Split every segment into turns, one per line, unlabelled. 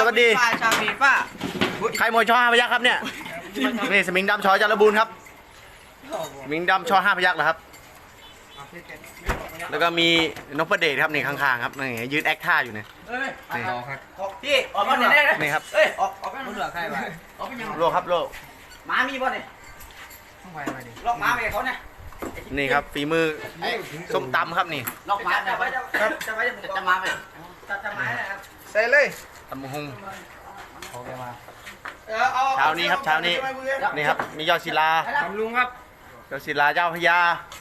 วัสดี
ชาวฟีฟ่า
ใครมวยช่อ5 พยัคฆ์ครับเนี่ยนี่สมิงดำชอจารบูรณ์ครับสมิงดำชอ5 พยัคฆ์เหรอครับแล้วก็มีนพเดชครับนี่ข้างๆครับนี่ยืนแอคท่าอยู่เนี่ยนี่
พี่ออกมาไหนได้
นี่ครับ
เอ้ยออกมันเหลือใครวะออกเป็นยัง
โลครับโล
หมามีบ่เนี่ยต้องไปดิลอกหมาไปเขาเนี่ย
นี่ครับฝีมือส้มตำครับนี่
ลอกหมาจะไปจะมาไปจะมาเลยครับ
ใส่เลย
ตำหงเช้านี้ครับเช้านี้นี่ครับมียอดศิลา
ลุงครับ
ยอดศิลาเจ้าพญา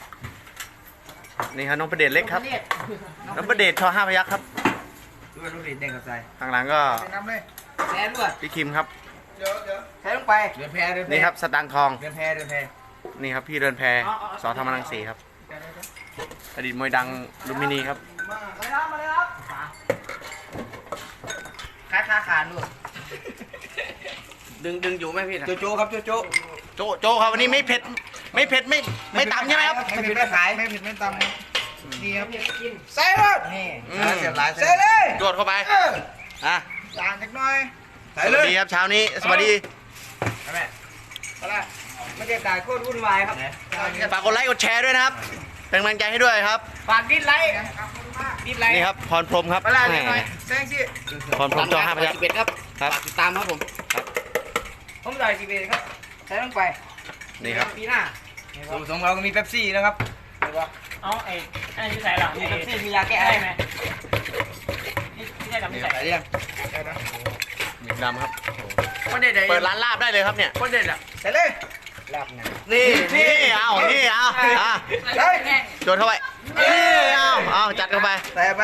นี่ครับน้องประเดชเล็กครับน้องประเดชชอ5 พยัคฆ์ครับ
ดูน้องประเดชแดงกับใจ
ข้างหลังก็
แพ้ด้วย
พี่คิมครับ
แพ้ลงไปเดินแพ้
นี่ครับสตางค์ทอง
เดินแพ้
นี่ครับพี่เดินแพสอธรรมรังสีครับอดีตมวยดังลุมพินีครับ
มาเลยครับขาขาดด้วยดึงอยู่ไหมพี่โจครับ
โจครับวันนี้ไม่เผ็ดไม่ตำใช่ไหมครับ
ไม่เผ็ดไม่ขายไม่เผ็ดไม่ตำนี่ครับใส่เลยนี่ใส่เลย
จวดเข้าไป
จานจักหน่อย
สวัสดีครับเช้านี้สวัสดี
แม่ไม่ได้จ่ายโคตรวุ่นวายครับ
ฝากกดไลค์กดแชร์ด้วยนะครับเป็นกำลังใจให้ด้วยครับ
ฝากดิสไลค์
นี่ครับพรพรมครับ
แซงสิ
พรพรมจอ5 พยัคฆ์
ครับฝากติดตามครับผมจ่าย11ครับใช้ลงไป
นี่ครับ
ปีหน้าสมเราก็มีเป๊ปซี่นะครับ
เอาไอ้ที่ใส่หลัง
มีเป๊ปซี่มียาแก้ไอไหม
ที่ใส่หลังที่ใส่
เรื่อง
หมิงดำครับเปิดร้านลาบได้เลยครับเนี่ย
คนเด็ดอ่ะใส่เลยลาบ
นี่เอาจวดเข้าไปเอาจัดเข้าไป
ใส่ไป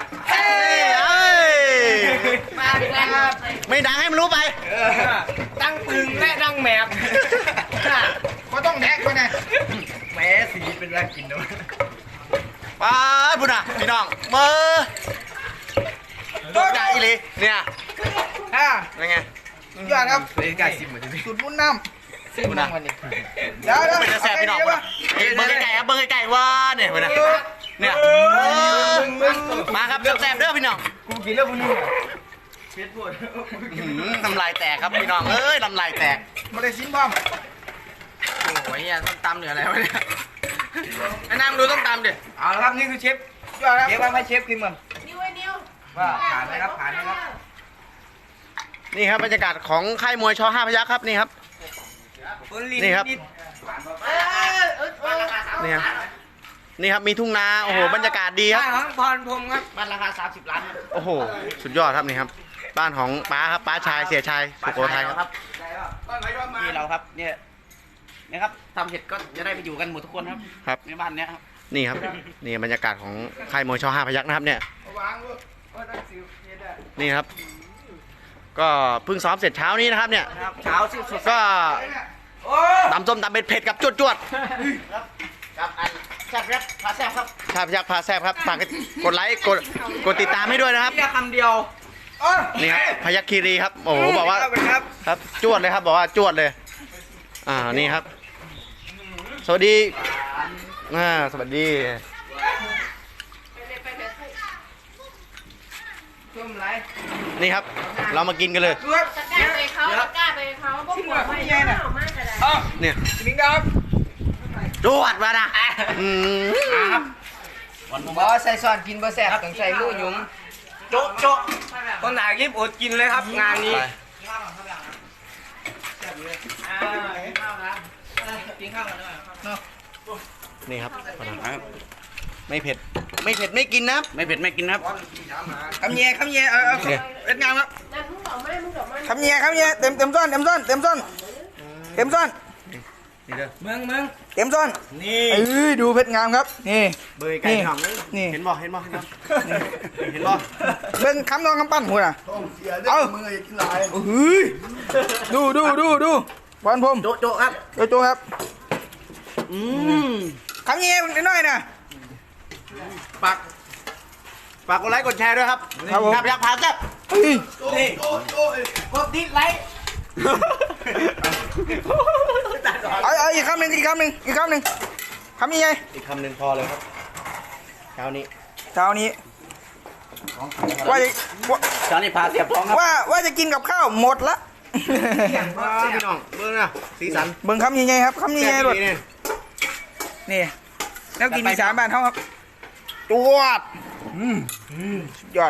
ไม่ดังให้มันรู้ไป
ดังปึงและดังแมบ
ก็ต้องแดกไปนะ
แหมสีเป็นอะไรกินด้วย
ป้าพุ่นอ่ะพี่น้องเบอร์ตัวใหญ่เลยเนี่ยยังไง
ยอดครับ
เลยกายซิมเหมือนที่
สุดมุนน้ำ
ซิมนะ
เดี๋ยว
เป็นจะแสบพี่น้องเบอร์ไก่ครับเบอร์ไก่ว่าเนี่ยพุ่นอ่ะเนี่ยมาครับแสบเด้อพี่น้อง
กูกินแล้วพุ่นนี่
น้ำลายแตกครับพี่น้องน้ำลายแตก
มาได้ซิมบ้าง
โอ้ยเนี่ยต้องตำเหนืออะไรวะเนี่ยไอ้น้ำดูต้องตำดิเอาละครับนี่คือเชฟเชฟว่าให้เชฟกินมัน
นิ้ว
ว่าผ่านไหมครับ
นี่ครับบรรยากาศของค่ายมวยชอ5 พยัคฆ์ครับนี่ครับนี่ครับนี่ครับมีทุ่งนาโอ้โหบรรยากาศดีครับ
พรพรมครับบ้านราคา30 ล้าน
โอ้โหสุดยอดครับนี่ครับบ้านของป้าครับป้าชายเสียชายสุโขทัยครับ
นี่เราครับเนี่ยนะครับทำเสร็จก็จะได้ไปอยู่กันหมดทุกคนครับในบ้านเนี้ยครับ
นี่ครับนี่บรรยากาศของค่ายมวยชอ5 พยัคฆ์นะครับเนี่ยนี่ครับก็เพิ่งซ้อมเสร็จเช้านี้นะครับเนี่ย
เช้าสุด
ก็ตำส้มตำเผ็ดกับจวด
ครับแซ่บครับพาแซ่บครับ
ชาพยัคฆ์พาแซ่บครับฝากกดไลค์กดติดตามให้ด้วยนะครับ
คำเดียว
นี่ครับพยัคฆ์คีรีครับโอ้โหบอกว่าครับจวดเลยครับบอกว่าจวดเลยนี่ครับสวัสดีสวัสดีนี่ครับเรามากินกันเลย
ตะกร้าไปเขาพวกหัวไม่เย็น
เนี่ย
มิงดาว
จวดมานะ
บอใส่ซอนกินบอแซ่บต้องใส่ลูกยุ้งโจ๊ะคนหนายิบอดกินเลยครับงานนี้
นี่ครับไม่เผ็ดไม่กินนะ
ไม่เผ็ดไม่กินครับคำเย่เล็ดงามครับ
คำเย่เต็มซ้อนเมืองเต็มซ้อนนี่ดูเพชรงามครับนี่
เบยไก่หอมนี่เห็นบ่
เป็นคำนองคำปั้นหัวน่ะเอาดูวันพรม
โจ๊ครับ
โจ๊ครับคำเย่นิดหน่อยนะ
ฝากกดไลค์กดแชร์ด้วยครับครับอยากพาจับ
นี่กดดิสไลค์
เอาอีกคำหนึ่งคำยังไง
อีกคำหนึ่งพอเลยครับเช้านี้
ว่าจะว่า
จอนนี่พาเสียบท้องครับ
ว่าจะกินกับข้าวหมดละ
พี่น้องเบิ่งนะสีสัน
เบิ่งคำใหญ่ๆครับคำใหญ่ๆหลด
นี่
นี่แล้วกินอีสานบ้านเขาครับ
จวด
สุดยอด